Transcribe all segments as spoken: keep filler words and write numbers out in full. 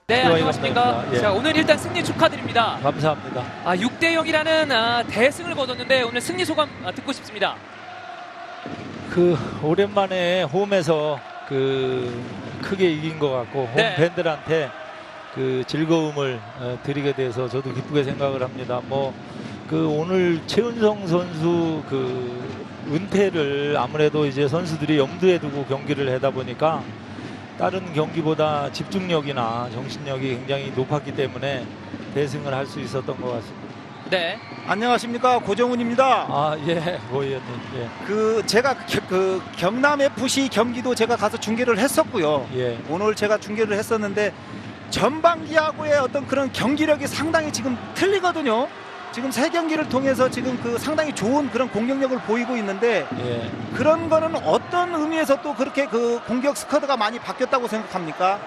네, 안녕하십니까. 예. 자, 오늘 일단 승리 축하드립니다. 감사합니다. 아, 육 대 영이라는 아, 대승을 거뒀는데 오늘 승리 소감 아, 듣고 싶습니다. 그 오랜만에 홈에서 그 크게 이긴 것 같고 홈 네. 팬들한테 그 즐거움을 어, 드리게 돼서 저도 기쁘게 생각을 합니다. 뭐 그 오늘 최은성 선수 그 은퇴를 아무래도 이제 선수들이 염두에 두고 경기를 하다 보니까 다른 경기보다 집중력이나 정신력이 굉장히 높았기 때문에 대승을 할 수 있었던 것 같습니다. 네. 안녕하십니까, 고정훈입니다. 아, 예, 고 의원님. 예. 그 제가 겨, 그 경남 에프씨 경기도 제가 가서 중계를 했었고요. 예. 오늘 제가 중계를 했었는데 전반기하고의 어떤 그런 경기력이 상당히 지금 틀리거든요. 지금 세 경기를 통해서 지금 그 상당히 좋은 그런 공격력을 보이고 있는데 예. 그런 거는 어떤 의미에서 또 그렇게 그 공격 스쿼드가 많이 바뀌었다고 생각합니까?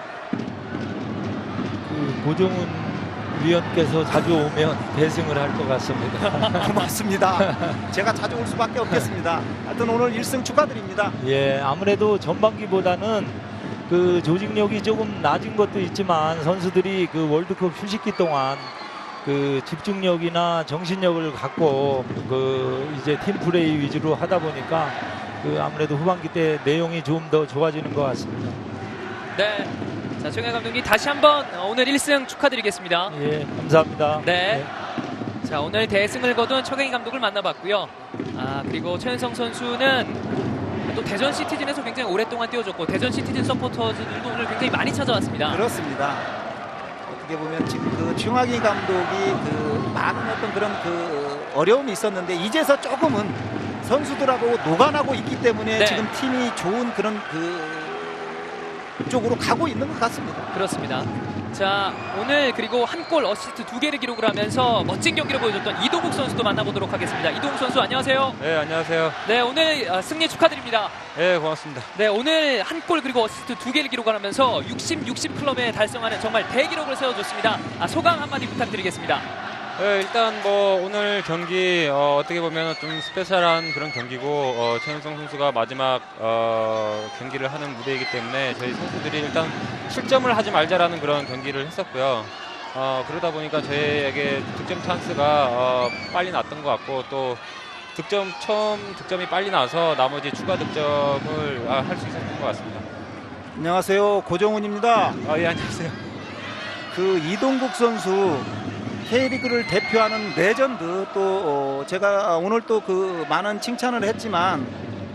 그 고정훈 위원께서 자주 오면 대승을 할 것 같습니다. 고맙습니다. 제가 자주 올 수밖에 없겠습니다. 하여튼 오늘 일 승 축하드립니다. 예, 아무래도 전반기보다는 그 조직력이 조금 낮은 것도 있지만 선수들이 그 월드컵 휴식기 동안 그 집중력이나 정신력을 갖고 그 이제 팀 플레이 위주로 하다 보니까 그 아무래도 후반기 때 내용이 좀 더 좋아지는 것 같습니다. 네. 자, 정혜 감독님 다시 한번 오늘 일 승 축하드리겠습니다. 예, 감사합니다. 네. 자, 오늘 대승을 거둔 최경희 감독을 만나봤고요. 아, 그리고 최은성 선수는 또 대전 시티즌에서 굉장히 오랫동안 뛰어줬고 대전 시티즌 서포터즈들도 오늘 굉장히 많이 찾아왔습니다. 그렇습니다. 어떻게 보면 지금 그 최용학이 감독이 그 많은 어떤 그런 그 어려움이 있었는데 이제서 조금은 선수들하고 노관하고 있기 때문에 네. 지금 팀이 좋은 그런 그 쪽으로 가고 있는 것 같습니다. 그렇습니다. 자, 오늘 그리고 한 골 어시스트 두 개를 기록을 하면서 멋진 경기를 보여줬던 이동국 선수도 만나보도록 하겠습니다. 이동국 선수 안녕하세요. 네, 안녕하세요. 네, 오늘 아, 승리 축하드립니다. 네, 고맙습니다. 네, 오늘 한 골 그리고 어시스트 두 개를 기록하면서 육십, 육십 클럽에 달성하는 정말 대기록을 세워줬습니다. 아, 소감 한마디 부탁드리겠습니다. 네, 일단 뭐 오늘 경기 어, 어떻게 보면 좀 스페셜한 그런 경기고 어, 최은성 선수가 마지막 어, 경기를 하는 무대이기 때문에 저희 선수들이 일단 실점을 하지 말자라는 그런 경기를 했었고요. 어, 그러다 보니까 저희에게 득점 찬스가 어, 빨리 났던 것 같고 또 득점 처음 득점이 빨리 나서 나머지 추가 득점을 아, 할 수 있었던 것 같습니다. 안녕하세요, 고정훈입니다. 아, 예, 안녕하세요. 그 이동국 선수 K리그를 대표하는 레전드 또 어, 제가 오늘 또 그 많은 칭찬을 했지만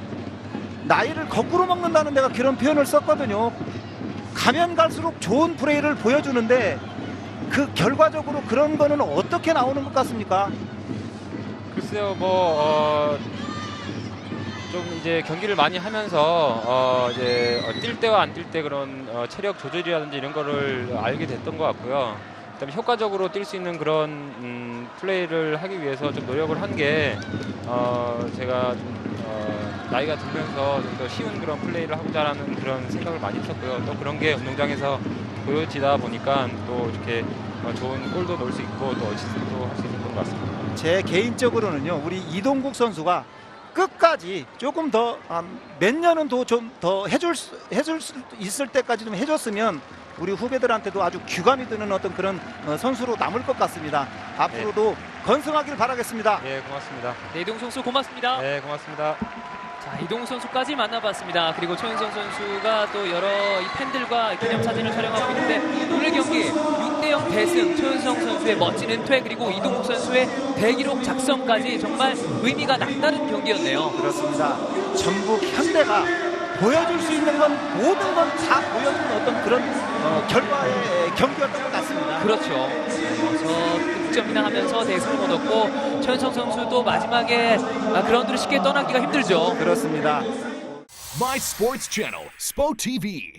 나이를 거꾸로 먹는다는 내가 그런 표현을 썼거든요. 가면 갈수록 좋은 플레이를 보여주는데 그 결과적으로 그런 거는 어떻게 나오는 것 같습니까? 글쎄요, 뭐, 어, 좀 이제 경기를 많이 하면서, 어, 이제, 어, 뛸 때와 안 뛸 때 그런, 어, 체력 조절이라든지 이런 거를 알게 됐던 것 같고요. 그다음에 효과적으로 뛸 수 있는 그런, 음, 플레이를 하기 위해서 좀 노력을 한 게, 어, 제가 좀, 어, 나이가 들면서 좀 더 쉬운 그런 플레이를 하고자라는 그런 생각을 많이 했었고요. 또 그런 게 운동장에서 보여지다 보니까 또 이렇게 어, 좋은 골도 넣을 수 있고 또 어시스트도 할 수 있었던 것 같습니다. 제 개인적으로는요, 우리 이동국 선수가 끝까지 조금 더 몇 년은 더 좀 더 해줄 수, 해줄 수 있을 때까지 좀 해줬으면 우리 후배들한테도 아주 귀감이 드는 어떤 그런 어, 선수로 남을 것 같습니다. 앞으로도 건승하길 바라겠습니다. 예, 고맙습니다. 네, 이동국 선수 고맙습니다. 네, 고맙습니다. 자, 이동국 선수까지 만나봤습니다. 그리고 최은성 선수가 또 여러 이 팬들과 기념사진을 촬영하고 있는데 오늘 경기 육 대 영 대승, 최은성 선수의 멋진 은퇴 그리고 이동국 선수의 대기록 작성까지 정말 의미가 남다른 경기였네요. 그렇습니다. 전북 현대가 보여줄 수 있는 건 모든 건 다 보여준 어떤 그런 어, 결과의 경기였던 것 같습니다. 그렇죠. 그래서 득점이나 하면서 대승을 거뒀고 최은성 선수도 마지막에 아, 그라운드를 쉽게 떠나기가 힘들죠. 그렇습니다. My Sports Channel, 스포티비.